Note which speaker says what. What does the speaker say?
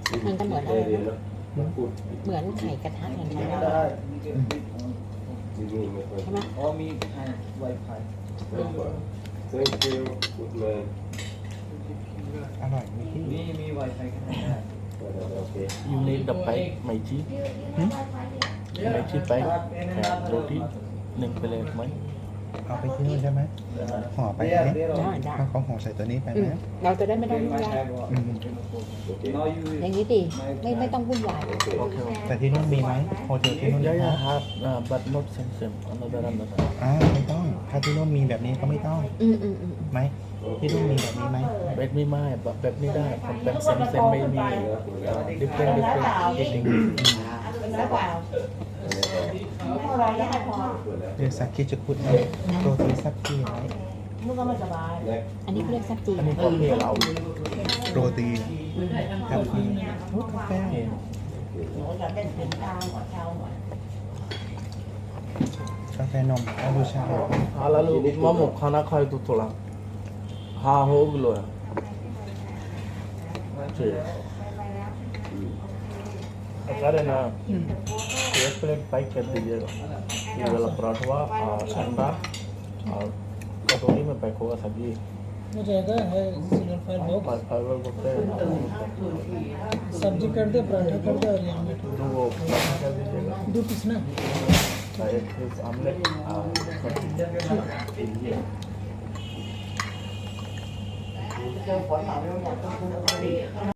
Speaker 1: มันก็เหมือนอะไรนะเหมือนไข่กระทะเหมือนกันใช่ไหม
Speaker 2: อ๋อมีไวไฟ
Speaker 3: Thank you good man
Speaker 4: อร่อยไหมพี่
Speaker 2: มีไวไฟกันได้
Speaker 3: okay
Speaker 5: You need the bite, my cheese. My cheese bite and roti.นึ่งไปเลยไหม
Speaker 4: เอาไปที่นู่นใช่ไหมห่อไปไหม
Speaker 1: ได้ได้
Speaker 4: ถ้าเขาห่อใส่ตัวนี้ไปไหม
Speaker 1: เราจะได้ไม่ต้องวุ่นวาย
Speaker 4: อืม
Speaker 1: อย่างนี้ดีไม่ต้องวุ่นวาย
Speaker 5: โอเค
Speaker 4: แต่ที่นู่นมีไหมโฮเทลที่นู่นมี
Speaker 5: Yeah,
Speaker 4: ไหม
Speaker 5: yeah, have, but not same. Another.
Speaker 4: ไม่ต้อง ถ้าที่นู่นมีแบบนี้ก็ไม่ต้อง
Speaker 1: อืม
Speaker 4: ไหมที่นู่นมีแบบนี้ไหม
Speaker 5: แบบนี้ไม่แบบนี้ได้ผมเป็นเซมไม่มี different eating
Speaker 4: เรียกซักกี้จะพูดนะโรตีซักกี้ไหม
Speaker 1: อันนี้เขาเรียกซับจี
Speaker 5: อันนี้ก็มีเรา
Speaker 4: โรตีกาแฟโอ้กาแฟกาแฟนมเอาบูชา
Speaker 5: lalu mamu खाना खाए तो थोड़ा हाँ हो गलो है ठीक अगर है ना एक प्लेट पैक कर दीजिएगा ये वाला पराठा और अंडा और कटोरी में पैक होगा सब्जी
Speaker 6: हो जाएगा है सिंगल फाइल बॉक्स
Speaker 5: फाइबर बोलते हैं
Speaker 6: सब्जी कर दे पराठा कर दे और ये आमलेट
Speaker 5: तो वो पराठा कर दीजिएगा
Speaker 6: 2 पीस ना
Speaker 5: एक पीस आमलेट और सब्जी